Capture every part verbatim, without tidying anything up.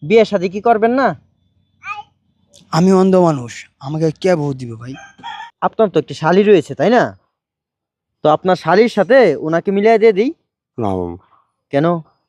বিয়ে শাদী কি করবেন না? আমি অন্ধ মানুষ, আমাকে কে ভোট দিবে ভাই? আপনার তো একটি শালী রয়েছে তাই না? তো আপনার শালীর সাথে ওনাকে মিলিয়ে দিয়ে দিই। না মামা, কেন?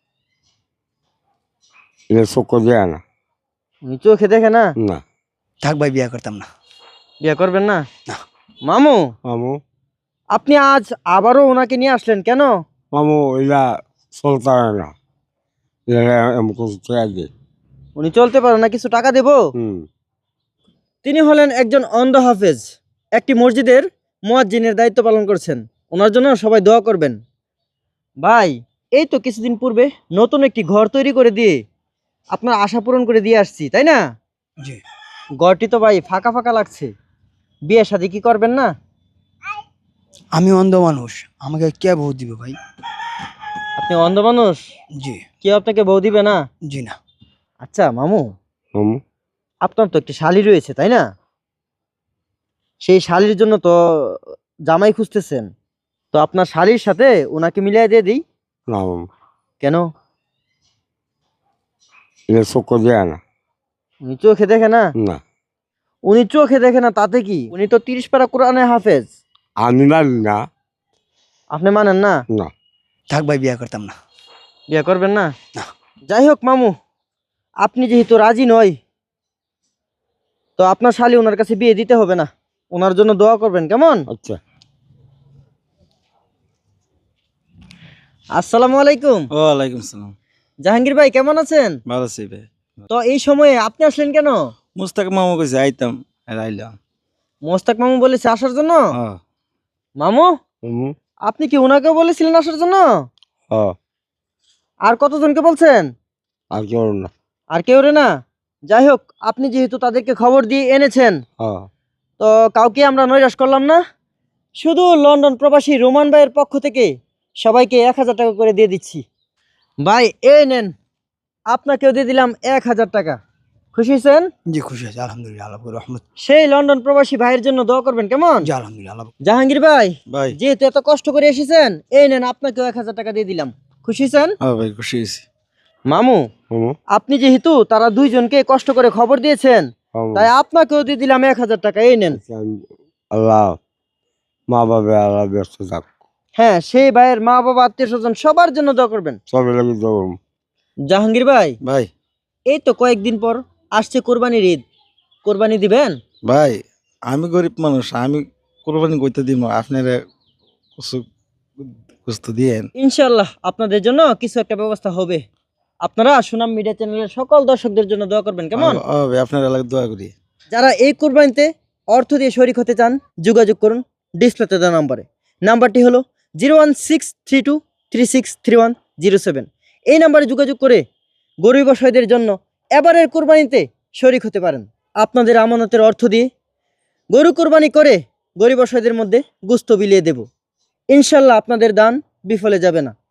এটা চক্কর দেয় না। উনি চোখে দেখে না? না থাক ভাই, বিয়ে করতাম না। বিয়ে করবেন না? না। মামু, মামু আপনি আজ আবারও ওনাকে নিয়ে আসলেন কেন? মামু এটা চলতে পারে না, এটা এমন কিছু টাকা দে। উনি চলতে পারেন না, কিছু টাকা দেব? হুম তিনি হলেন একজন অন্ধ হাফেজ, একটি মসজিদের মুয়াজ্জিনের দায়িত্ব পালন করছেন। ওনার জন্য সবাই দোয়া করবেন। ভাই, এই তো কিছুদিন পূর্বে নতুন একটি ঘর তৈরি করে দিয়ে আপনার আশা পূরণ করে দিয়ে আসছি তাই না? জি। ঘরটি তো ভাই ফাঁকা ফাঁকা লাগছে। বিয়ে শাদী কি করবেন না? আমি অন্ধ মানুষ, আমাকে কে ভোট দিবে ভাই? আপনি অন্ধ মানুষ, জি। কেউ আপনাকে বউ দিবে না? জি না। আচ্ছা মামু, মামু আপনার তো একটি শালী রয়েছে তাই না? সেই শালীর জন্য তো জামাই খুঁজতেছেন। তো আপনার শালীর সাথে ওনাকে মিলিয়ে দিয়ে দিই। না মামু, কেন? এটা চক্কর দেয় না। উনি চোখে দেখে না? না উনি চোখে দেখে না তাতে কি? উনি তো তিরিশ পারা কোরআনে হাফেজ। আমি মানি না। আপনি মানেন না? না থাক ভাই, বিয়ে করতাম না। বিয়ে করবেন না? না। যাই হোক মামু, আপনি যেহেতু রাজি নয়, তো আপনার শালী ওনার কাছে বিয়ে দিতে হবে না। ওনার জন্য দোয়া করবেন কেমন? আচ্ছা। আসসালামু আলাইকুম। ওয়ালাইকুম সালাম। জাহাঙ্গীর ভাই কেমন আছেন? ভালো আছি ভাই। তো এই সময়ে আপনি আসলেন কেন? মুস্তাক মামা কইছে আইতাম, আর আইলাম। মোস্তাক মামু বলেছে আসার জন্য? হ্যাঁ। মামু, মামু আপনি কি ওনাকেও বলেছিলেন আসার জন্য? হ্যাঁ, আর কতজনকে বলছেন? আর কেউ না। আর কেউ রে না? যাই হোক, আপনি যেহেতু তাদেরকে খবর দিয়ে এনেছেন, হ্যাঁ তো কাউকে আমরা নৈরাশ করলাম না। শুধু লন্ডন প্রবাসী রোমান ভাইয়ের পক্ষ থেকে সবাইকে এক হাজার টাকা করে দিয়ে দিচ্ছি। ভাই এই নেন, আপনাকেও দিয়ে দিলাম এক হাজার টাকা। খুশি হয়েছেন? জি খুশি আছি, আলহামদুলিল্লাহ, আল্লাহ রহমত। সেই লন্ডন প্রবাসী ভাইয়ের জন্য দোয়া করবেন কেমন? জি আলহামদুলিল্লাহ, আল্লাহ। জাহাঙ্গীর ভাই, ভাই। যেহেতু এত কষ্ট করে এসেছেন, এই নেন আপনাকেও এক হাজার টাকা দিয়ে দিলাম। খুশি হয়েছেন? হ্যাঁ ভাই, খুশি হয়েছি। মামু, মামু আপনি যেহেতু তারা দুইজনকে কষ্ট করে খবর দিয়েছেন, মামু তাই আপনাকেও দিয়ে দিলাম এক হাজার টাকা। এই নেন। আল্লাহ মা বাবা আল্লাহ ব্যস্ত থাক, হ্যাঁ, সেই ভাইয়ের মা বাবা আত্মীয় স্বজন সবার জন্য দোয়া করবেন। সবাই লাগে দৌড়। জাহাঙ্গীর ভাই, ভাই। এই তো কয়েকদিন পর আসছে কোরবানির ঈদ, কোরবানি দিবেন? ভাই, আমি গরিব মানুষ, আমি কোরবানি করতে দিব, আপনারা কিছু কিছু দিয়েন। ইনশাল্লাহ আপনাদের জন্য কিছু একটা ব্যবস্থা হবে। আপনারা সুনাম মিডিয়া চ্যানেলের সকল দর্শকদের জন্য দোয়া করবেন কেমন? হ্যাঁ ভাই, আপনারা লাগে দোয়া করি। যারা এই কোরবানিতে অর্থ দিয়ে শরিক হতে চান, যোগাযোগ করুন ডিসপ্লেতে দেওয়া নাম্বারে। নাম্বারটি হলো zero one six three two three six three one zero seven. এই নাম্বারে যোগাযোগ করে গরিব অসহায়দের জন্য এবারের কোরবানিতে শরিক হতে পারেন। আপনাদের আমানতের অর্থ দিয়ে গরু কোরবানি করে গরিব অসহায়দের মধ্যে গোশত বিলিয়ে দেব। ইনশাল্লাহ আপনাদের দান বিফলে যাবে না।